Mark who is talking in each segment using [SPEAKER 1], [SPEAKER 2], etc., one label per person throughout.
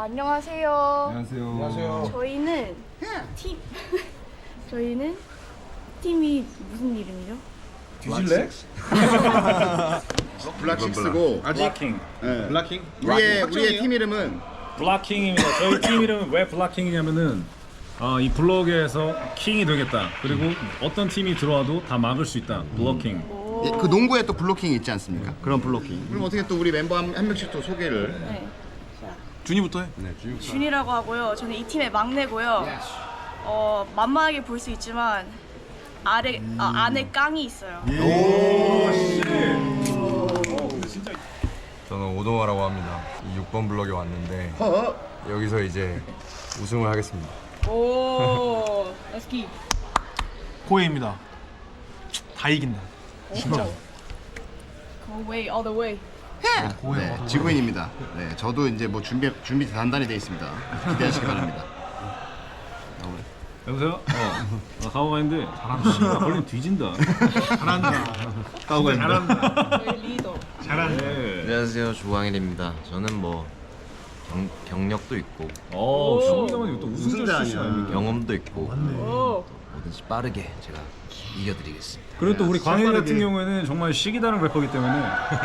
[SPEAKER 1] 안녕하세요.
[SPEAKER 2] 안녕하세요.
[SPEAKER 1] 저희는 저희는 팀이 무슨 이름이죠?
[SPEAKER 2] 뒤질래?
[SPEAKER 3] 블락식스고
[SPEAKER 4] 블락킹.
[SPEAKER 3] 네.
[SPEAKER 2] 블락킹?
[SPEAKER 3] 우리의 팀 이름은
[SPEAKER 4] 블락킹입니다. 저희 팀 이름은 왜 블락킹이냐면은 이 블록에서 킹이 되겠다. 그리고 어떤 팀이 들어와도 다 막을 수 있다. 블로킹.
[SPEAKER 3] 예, 그 농구에 또 블로킹이 있지 않습니까? 그런 블로킹. 그럼 어떻게 또 우리 멤버 한 명씩 또 소개를.
[SPEAKER 1] 네.
[SPEAKER 2] 준이부터 해.
[SPEAKER 1] 준이라고 하고요. 저는 이 팀의 막내고요. 만만하게 볼 수 있지만 안에 깡이 있어요.
[SPEAKER 5] 저는 오동화라고 합니다. 6번 블럭에 왔는데 여기서 이제 우승을 하겠습니다.
[SPEAKER 1] 오, 렛츠기.
[SPEAKER 2] 코에입니다. 다 이긴다. 진짜.
[SPEAKER 1] Go away, all the way.
[SPEAKER 3] 네, 지구인입니다. 네, 저도 이제 뭐 준비 단단히 돼 있습니다. 기대하시기 바랍니다.
[SPEAKER 4] 여보세요? 가오가 있는데 잘한다. 걸리면 뒤진다.
[SPEAKER 2] 잘한다. 가오가 잘한다.
[SPEAKER 1] 저희 리더.
[SPEAKER 2] 잘한다.
[SPEAKER 6] 안녕하세요, 조광일입니다. 저는 뭐 경력도 있고
[SPEAKER 4] 정민형은 또 우승자 출신 아닙니까?
[SPEAKER 6] 경험도 있고
[SPEAKER 1] 오.
[SPEAKER 6] 뭐든지 빠르게 제가 이겨드리겠습니다.
[SPEAKER 4] 그리고 또 우리 광일 같은 경우에는 정말 시기다른 래퍼이기 때문에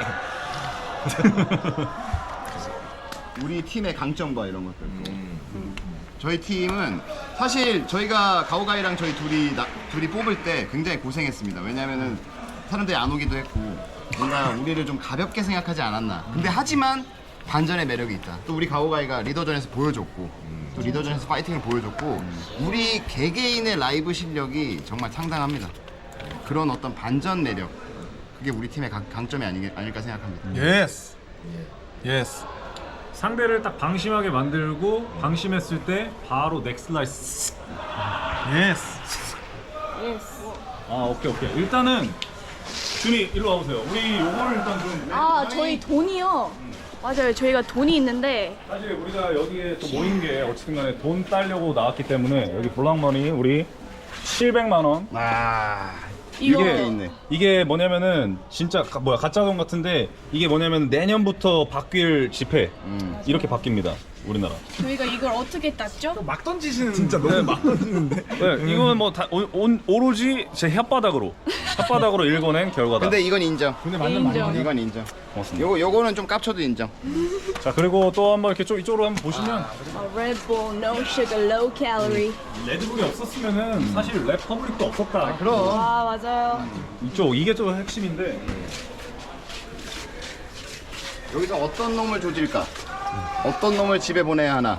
[SPEAKER 3] 우리 팀의 강점과 이런 것들. 저희 팀은 사실 저희가 가오가이랑 저희 둘이 뽑을 때 굉장히 고생했습니다. 왜냐면은 사람들이 안 오기도 했고 뭔가 우리를 좀 가볍게 생각하지 않았나. 근데 하지만 반전의 매력이 있다. 또 우리 가오가이가 리더전에서 보여줬고 또 리더전에서 파이팅을 보여줬고 우리 개개인의 라이브 실력이 정말 상당합니다. 그런 어떤 반전 매력 그게 우리 팀의 강점이 아닐까 생각합니다.
[SPEAKER 2] 예스. 예스.
[SPEAKER 4] 상대를 딱 방심하게 만들고 방심했을 때 바로 넥슬라이스.
[SPEAKER 2] 예스.
[SPEAKER 1] 예스.
[SPEAKER 4] 오케이. 일단은 준이 일로 와보세요. 우리 요거를 일단 좀
[SPEAKER 1] 저희 돈이요. 맞아요. 저희가 돈이 있는데
[SPEAKER 4] 사실 우리가 여기에 또 모인 게 어쨌든 간에 돈 따려고 나왔기 때문에 여기 블락머니 우리 700만 원.
[SPEAKER 1] 이거
[SPEAKER 4] 이게 뭐냐면은 진짜 가짜 돈 같은데 이게 뭐냐면 내년부터 바뀔 지폐 이렇게 바뀝니다. 우리나라.
[SPEAKER 1] 저희가 이걸 어떻게 땄죠?
[SPEAKER 2] 막 던지시는 진짜 너무 막 던지는데.
[SPEAKER 4] 네, 이건 뭐 다 오로지 제 혓바닥으로 읽어낸 결과다.
[SPEAKER 3] 근데 이건 인정.
[SPEAKER 2] 근데 맞는
[SPEAKER 1] 인정.
[SPEAKER 2] 말이야.
[SPEAKER 3] 이건 인정.
[SPEAKER 4] 고맙습니다.
[SPEAKER 3] 요거는 좀 깝쳐도 인정.
[SPEAKER 4] 자 그리고 또 한번 이렇게 좀 이쪽으로 한번 보시면
[SPEAKER 1] Red Bull, no sugar, low calorie.
[SPEAKER 4] 레드불이 없었으면은 사실 랩퍼블릭도 없었다.
[SPEAKER 3] 그럼.
[SPEAKER 1] 맞아요.
[SPEAKER 4] 이게 좀 핵심인데.
[SPEAKER 3] 여기서 어떤 놈을 조질까? 어떤 놈을 집에 보내야 하나?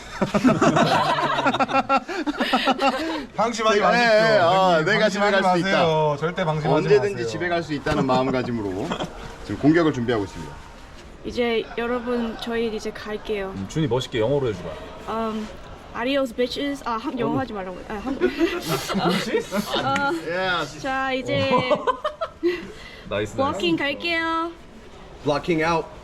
[SPEAKER 2] 방심하지
[SPEAKER 3] 네,
[SPEAKER 2] 마십시오.
[SPEAKER 3] 내가 집에 갈 수 있다.
[SPEAKER 2] 절대 방심하지
[SPEAKER 3] 언제든지
[SPEAKER 2] 마세요.
[SPEAKER 3] 집에 갈 수 있다는 마음가짐으로 지금 공격을 준비하고 있습니다.
[SPEAKER 1] 이제 여러분 저희 이제 갈게요.
[SPEAKER 4] 준이 멋있게 영어로 해주라.
[SPEAKER 1] Adios bitches. 영어 하지 말라고. 한국. 자 이제
[SPEAKER 4] 나이스.
[SPEAKER 1] 워킹 갈게요.
[SPEAKER 5] Blocking out.